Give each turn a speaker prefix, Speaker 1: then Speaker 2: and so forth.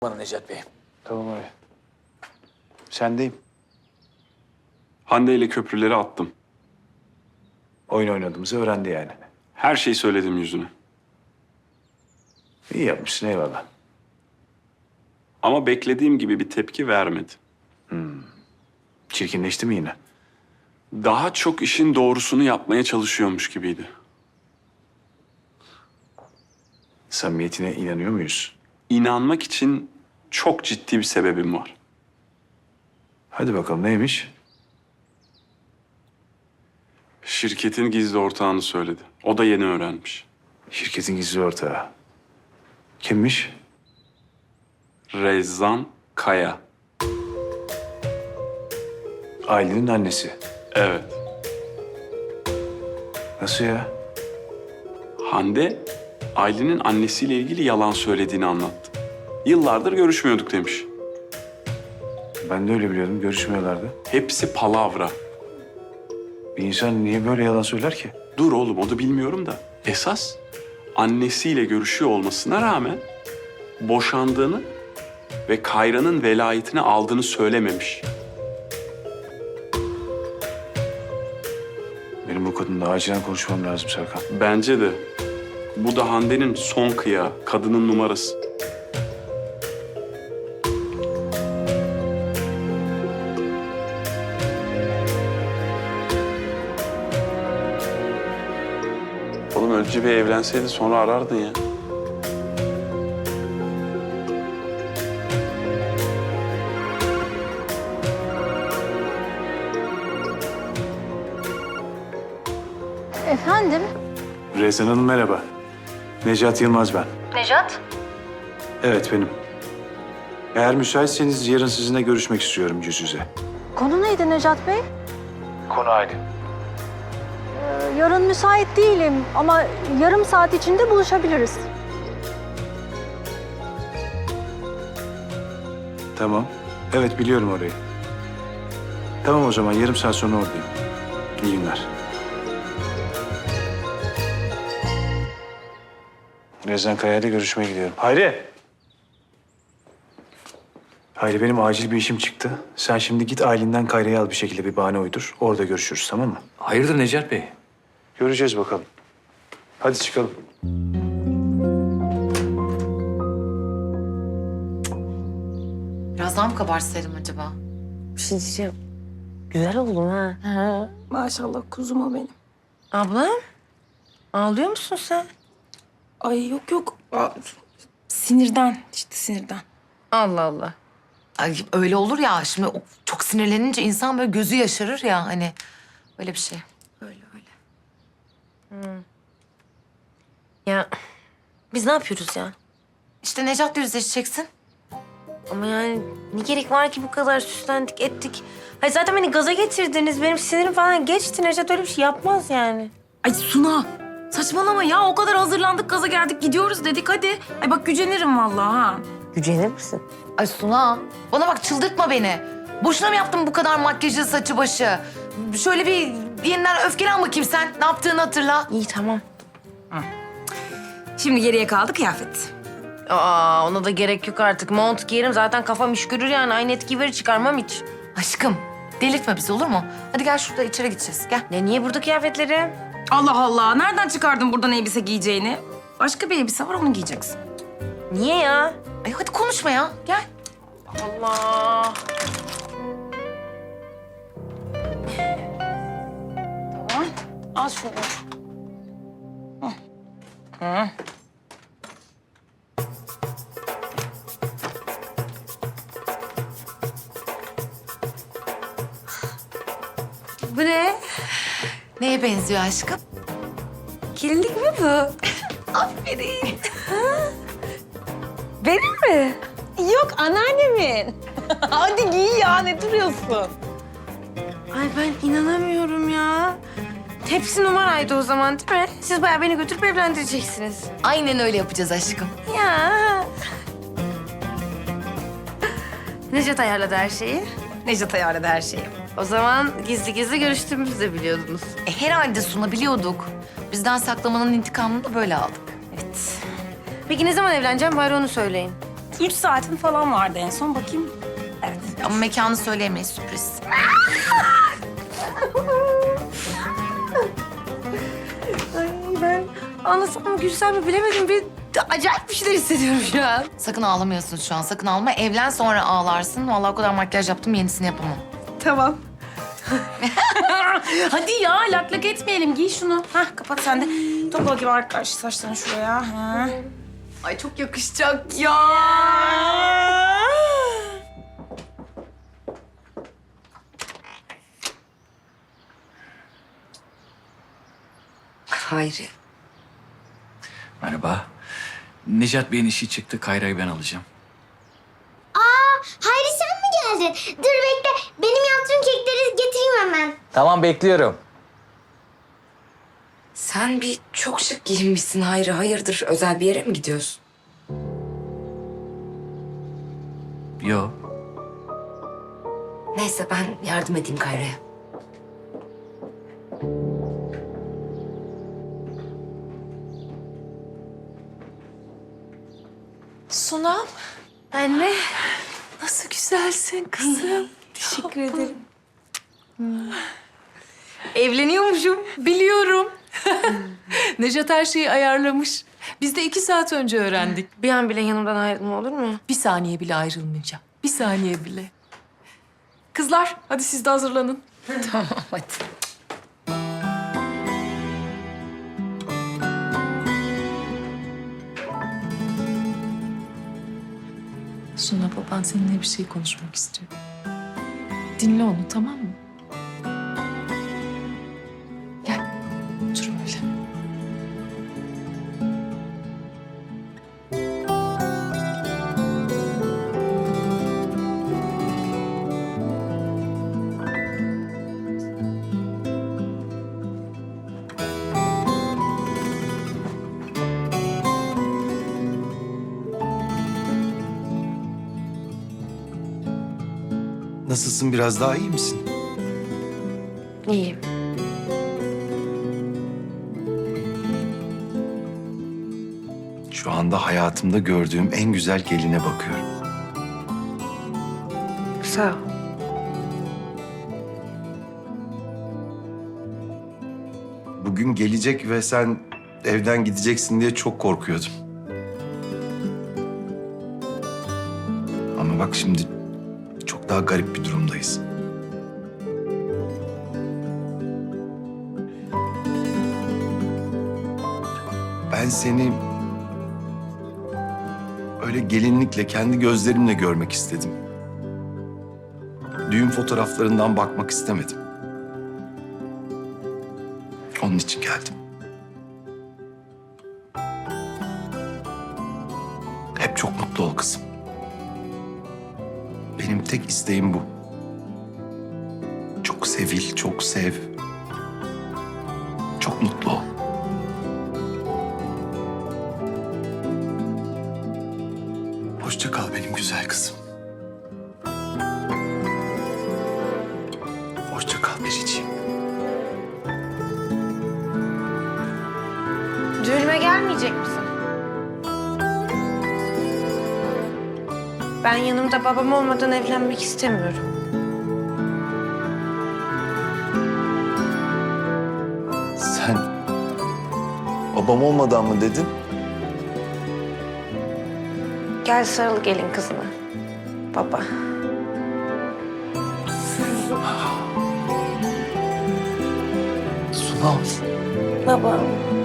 Speaker 1: Bana Necat Bey.
Speaker 2: Tamam abi. Sendeyim.
Speaker 3: Hande ile köprüleri attım.
Speaker 2: Oyun oynadığımızı öğrendi yani.
Speaker 3: Her şeyi söyledim yüzüne.
Speaker 2: İyi yapmışsın, eyvallah.
Speaker 3: Ama beklediğim gibi bir tepki vermedi.
Speaker 2: Çirkinleşti mi yine?
Speaker 3: Daha çok işin doğrusunu yapmaya çalışıyormuş gibiydi.
Speaker 2: Samimiyetine inanıyor muyuz?
Speaker 3: İnanmak için çok ciddi bir sebebim var.
Speaker 2: Hadi bakalım, neymiş?
Speaker 3: Şirketin gizli ortağını söyledi. O da yeni öğrenmiş.
Speaker 2: Şirketin gizli ortağı. Kimmiş?
Speaker 3: Rezan Kaya.
Speaker 2: Ailenin annesi.
Speaker 3: Evet.
Speaker 2: Nasıl ya?
Speaker 3: Hande, Aylin'in annesiyle ilgili yalan söylediğini anlattı. Yıllardır görüşmüyorduk demiş.
Speaker 2: Ben de öyle biliyordum, görüşmüyorlardı.
Speaker 3: Hepsi palavra.
Speaker 2: Bir insan niye böyle yalan söyler ki?
Speaker 3: Dur oğlum, o da bilmiyorum da. Esas annesiyle görüşüyor olmasına rağmen boşandığını ve Kayra'nın velayetini aldığını söylememiş.
Speaker 2: Benim bu kadınla acilen konuşmam lazım Serkan.
Speaker 3: Bence de. Bu da Hande'nin son kıyağı, kadının numarası. Oğlum önce bir evlenseydi sonra arardın ya.
Speaker 4: Efendim?
Speaker 2: Rezan Hanım merhaba. Necat Yılmaz ben.
Speaker 4: Necat?
Speaker 2: Evet benim. Eğer müsaitseniz yarın sizinle görüşmek istiyorum yüz yüze.
Speaker 4: Konu neydi Necat Bey?
Speaker 2: Konu aile.
Speaker 4: Yarın müsait değilim ama yarım saat içinde buluşabiliriz.
Speaker 2: Tamam. Evet biliyorum orayı. Tamam o zaman yarım saat sonra oradayım. İyi günler. Rezan Kaya ile görüşmeye gidiyorum. Hayri! Hayri benim acil bir işim çıktı. Sen şimdi git Aylin'den Kayra'yı al bir şekilde bir bahane uydur. Orada görüşürüz tamam mı?
Speaker 1: Hayırdır Necat Bey?
Speaker 2: Göreceğiz bakalım. Hadi çıkalım.
Speaker 5: Biraz daha mı kabartsaydım acaba?
Speaker 6: Bir şey diyeceğim. Güzel oldum ha.
Speaker 7: Maşallah kuzum o benim.
Speaker 6: Ablam, ağlıyor musun sen?
Speaker 7: Ay yok yok. Sinirden işte sinirden.
Speaker 6: Allah Allah.
Speaker 5: Ay, öyle olur ya. Şimdi çok sinirlenince insan böyle gözü yaşarır ya hani. Öyle bir şey.
Speaker 7: Öyle öyle.
Speaker 6: Ya biz ne yapıyoruz ya?
Speaker 5: İşte Necat'la yüzleşeceksin.
Speaker 6: Ama yani ne gerek var ki bu kadar süslendik ettik. Hayır zaten beni gaza getirdiniz. Benim sinirim falan geçti. Necat öyle bir şey yapmaz yani.
Speaker 7: Ay Suna saçmalama ya. O kadar hazırlandık gaza geldik gidiyoruz dedik hadi. Ay bak gücenirim vallahi ha.
Speaker 6: Gücenir misin?
Speaker 5: Ay Suna, bana bak çıldırtma beni. Boşuna mı yaptın bu kadar makyajı, saçı, başı? Şöyle bir yeniden öfkelen bakayım sen. Ne yaptığını hatırla.
Speaker 6: İyi tamam.
Speaker 7: Şimdi geriye kaldı kıyafet.
Speaker 6: Aa ona da gerek yok artık. Mont giyerim zaten kafam iş görür yani. Aynı etkiyi verir çıkarmam hiç.
Speaker 5: Aşkım, delirtme bizi olur mu? Hadi gel şurada içeri gideceğiz. Gel.
Speaker 6: Ne niye burada kıyafetleri?
Speaker 7: Allah Allah nereden çıkardın buradan elbise giyeceğini? Başka bir elbise var onu giyeceksin.
Speaker 6: Niye ya?
Speaker 5: Ay hadi konuşma ya. Gel.
Speaker 6: Allah.
Speaker 7: Tamam al şunu.
Speaker 6: Bu ne?
Speaker 5: Neye benziyor aşkım?
Speaker 6: Gelinlik mi bu?
Speaker 5: Aferin.
Speaker 6: Benim mi?
Speaker 7: Yok anneannemin. Hadi giy ya ne duruyorsun?
Speaker 6: Ay ben inanamıyorum ya. Hepsi numaraydı o zaman değil mi? Siz bayağı beni götürüp evlendireceksiniz.
Speaker 5: Aynen öyle yapacağız aşkım.
Speaker 6: Ya. Necat ayarladı her şeyi.
Speaker 7: Necat ayarladı her şeyi.
Speaker 6: O zaman gizli gizli görüştüğümüzü de biliyordunuz.
Speaker 5: Herhalde Suna biliyorduk. Bizden saklamanın intikamını da böyle aldık.
Speaker 6: Evet. Peki ne zaman evleneceğim bari onu söyleyin.
Speaker 7: 3 saatin falan vardı en son. Bakayım. Evet.
Speaker 5: Ama mekanı söyleyemeyiz, sürpriz.
Speaker 6: Ay ben anlasam mı gülsem mi bilemedim. Bir acayip bir şeyler hissediyorum şu an.
Speaker 5: Sakın ağlamıyorsun şu an, sakın ağlama. Evlen sonra ağlarsın. Vallahi o kadar makyaj yaptım, yenisini yapamam.
Speaker 6: Tamam.
Speaker 7: Hadi ya lak lak etmeyelim. Giy şunu. Hah kapat sen de. Topla bakayım arkadaş saçlarını şuraya. Ha.
Speaker 5: Ay çok yakışacak ya.
Speaker 6: Hayri.
Speaker 1: Merhaba. Necat Bey'in işi çıktı. Kayra'yı ben alacağım.
Speaker 8: Hayri sen mi geldin? Dur bekle. Benim yaptığım kekleri getireyim hemen.
Speaker 1: Tamam, bekliyorum.
Speaker 9: Sen bir çok şık giyinmişsin Hayri. Hayırdır? Özel bir yere mi gidiyorsun?
Speaker 1: Yo.
Speaker 9: Neyse ben yardım edeyim Kayra'ya.
Speaker 6: Sunam. Anne. Nasıl güzelsin kızım. Teşekkür ederim. Evleniyormuşum.
Speaker 10: Biliyorum. Necat her şeyi ayarlamış. Biz de 2 saat önce öğrendik.
Speaker 6: Bir an bile yanımdan ayrılma olur mu?
Speaker 10: Bir saniye bile ayrılmayacağım. Bir saniye bile. Kızlar hadi siz de hazırlanın.
Speaker 5: Tamam hadi.
Speaker 10: Suna baban seninle bir şey konuşmak istiyor. Dinle onu tamam mı? Gel. Otur öyle.
Speaker 2: Nasılsın, biraz daha iyi misin?
Speaker 6: İyiyim.
Speaker 2: Şu anda hayatımda gördüğüm en güzel geline bakıyorum.
Speaker 6: Sağ ol.
Speaker 2: Bugün gelecek ve sen evden gideceksin diye çok korkuyordum. Ama bak şimdi çok daha garip bir durumdayız. Ben seni öyle gelinlikle, kendi gözlerimle görmek istedim. Düğün fotoğraflarından bakmak istemedim. Onun için geldim. Hep çok mutlu ol kızım. Benim tek isteğim bu. Çok sevil, çok sev. Çok mutlu ol. Hoşça kal benim güzel kızım. Hoşça kal biriciğim.
Speaker 6: Düğünüme gelmeyecek misin? Ben yanımda babam olmadan evlenmek istemiyorum.
Speaker 2: Sen babam olmadan mı dedin?
Speaker 6: Gel sarıl gelin kızına. Baba.
Speaker 2: Sunal.
Speaker 6: Baba.